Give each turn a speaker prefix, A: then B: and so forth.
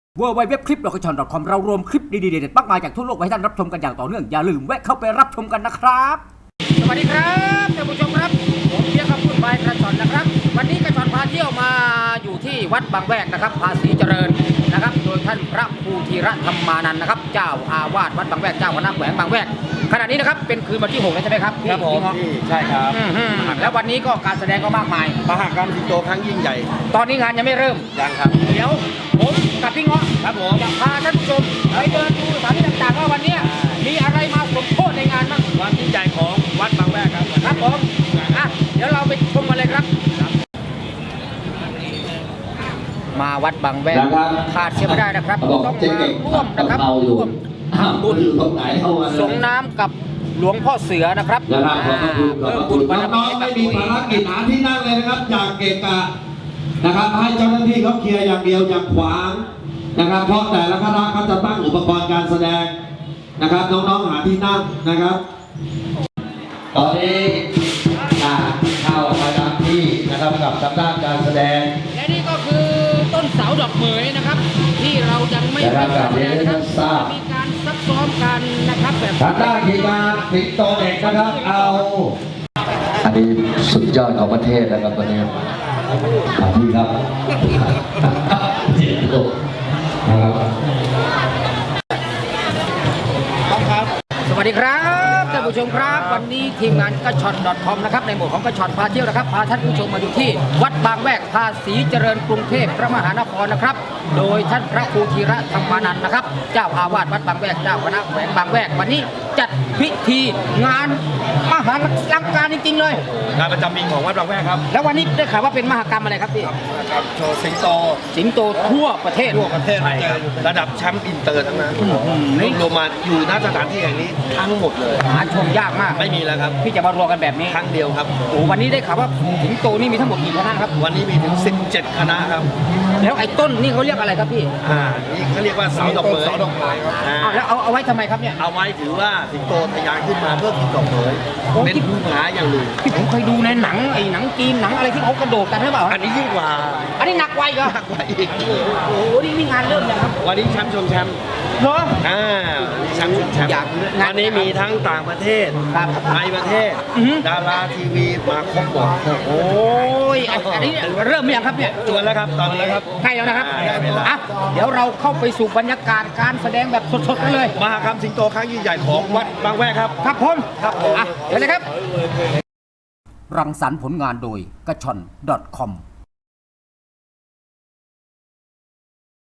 A: www.clip.com เรารวมคลิปดีๆเด็ดๆมากมายจากทั่วโลกไว้ให้ท่านรับชมกันอย่างต่อเนื่องอย่าลืมแวะเข้าไปรับชมกันนะครับสวัสดีครับท่านผู้ชมครับผมเพียงคำพูดไปกระชอนนะครับวันนี้กระชอนพาเที่ยวมาอยู่ที่วัดบางแวกนะครับภาษีเจริญนะครับโดยท่านพระครูธีระธรรมานันท์นะครับเจ้าอาวาสวัดบางแวกเจ้าคณะแขวงบางแวกขณะนี้นะครับเป็นคืนวันที่6แล้วใช่ไหมครับ
B: ครับผมใช่ครับ
A: แล้ววันนี้ก็การแสดงก็มากมาย
B: มหกรรมสิงโตครั้งยิ่งใหญ่
A: ตอนนี้งานยังไม่เริ่ม
B: ยังครับ
A: เดี๋ยวผมกับพี่เงาะ
B: ครับผม
A: จะพาท่านผู้ชมไปเดินดูสถานที่ต่างๆว่าวันนี้มีอะไรมาสมโภชในงานบ้าง
B: ความยิ่งใหญ่ของวัดบางแวกครับ
A: ครับผมเดี๋ยวเราไปชมกันเลยครับมาวัดบางแวกขาดเสียไม่ได้นะครับต้องมาร่วมนะครับร่วมทำบุญสงน้ำกับหลวงพ่อเสือนะครับ
C: เพิ่มบุญบารมีไม่มีภารกิจหาที่นั่งเลยนะครับจากเกะกะนะครับให้เจ้าหน้าที่เขาเคลียร์อย่างเดียวอย่าขวางนะครับเพราะแต่ละคณะเขาจะตั้งอุปกรณ์การแสดงนะครับน้องๆหาที่นั่งนะครับตอนนี้เข้าประจำที่นะครับกับทางด้านการแสดง
A: และนี่ก็คือต้นเสาดอกเหมยนะครับที่เรายังไม่ได้แสดงนะครับมีการซักซ้อมกันนะครับแบบ
C: ทางด้านทีมงานสิงโตเด็กนะครับเอาอันนี้สุดยอดของประเทศนะครับวันนี้พี่ครับ
A: สวัสดีครับท่านผู้ชมครับวันนี้ทีมงานกระชอน .com นะครับในหมวดของกระชอนพาเที่ยวนะครับพาท่านผู้ชมมาอยู่ที่วัดบางแวกภาษีเจริญกรุงเทพพระมหานครนะครับโดยท่านพระครูธีระธรรมานันท์นะครับเจ้าอาวาสวัดบางแวกเจ้าคณะแขวงบางแวกวันนี้จัดพิธีงานมหาลังการจริงๆเลย
B: งานประจำปีของวัดบางแวกครับ
A: แล้ววันนี้ได้ข่าวว่าเป็นมหกรรมอะไรครับพี่
B: ครับโชว์สิงโต
A: ทั่วประเทศ
B: ใช่ครับระดับแชมป์อินเตอร์ทั้งนั้นรวมมาอยู่ณสถานที่แห่งนี้ทั้งหมดเลย
A: หาชมยากมาก
B: ไม่มีแล้วครับ
A: ที่จะมารวมกันแบบนี้
B: ครั้งเดียวครับ
A: โอ้วันนี้ได้ข่าวว่าสิงโตนี่มีทั้งหมดกี่คณะครับ
B: วันนี้มีถึง17คณะครับ
A: แล้วไอ้ต้นนี่เขาเรียกอะไรครับพี่
B: นี่เขาเรียกว่าเสาดอกเหมย
A: ครับแล้วเอาไว้ทำไมครับเนี่ย
B: เอาไว้ถือว่าสิงโตทะยานขึ้นมาเพื่อกินดอกเหมยเป็นภูผาอย่างหนึ่ง
A: ที่ผมเคยดูในหนังหนังจีนหนังอะไรที่เขากระโดดกันใช่เปล่า
B: อันนี้ยิ่งกว่า
A: อันนี้หนักกว่าอีกเหรอ
B: หนักกว่าอีก
A: โอ้โหนี่งานเริ่มยังครับ
B: วันนี้แชมป์ชมแชมป์
A: เหรอ
B: แชมป์วันนี้มีทั้งต่างประเทศในประเทศดาราทีวีมาครบหมด
A: โอ้ยอันนี้เริ่มยังครับเนี่ย
B: จวนแล้วครับตอนนี้ครับ
A: ใกล้แล้วนะครับเดี๋ยวเราเข้าไปสู่บรรยากาศการแสดงแบบสดๆกันเลย
B: มหกรรมสิงโตครั้งยิ่งใหญ่ของวัดบางแวกครับ
A: ครับผมเดี๋ยวเลยครับรังสรรค์ผลงานโดยกระชอน .com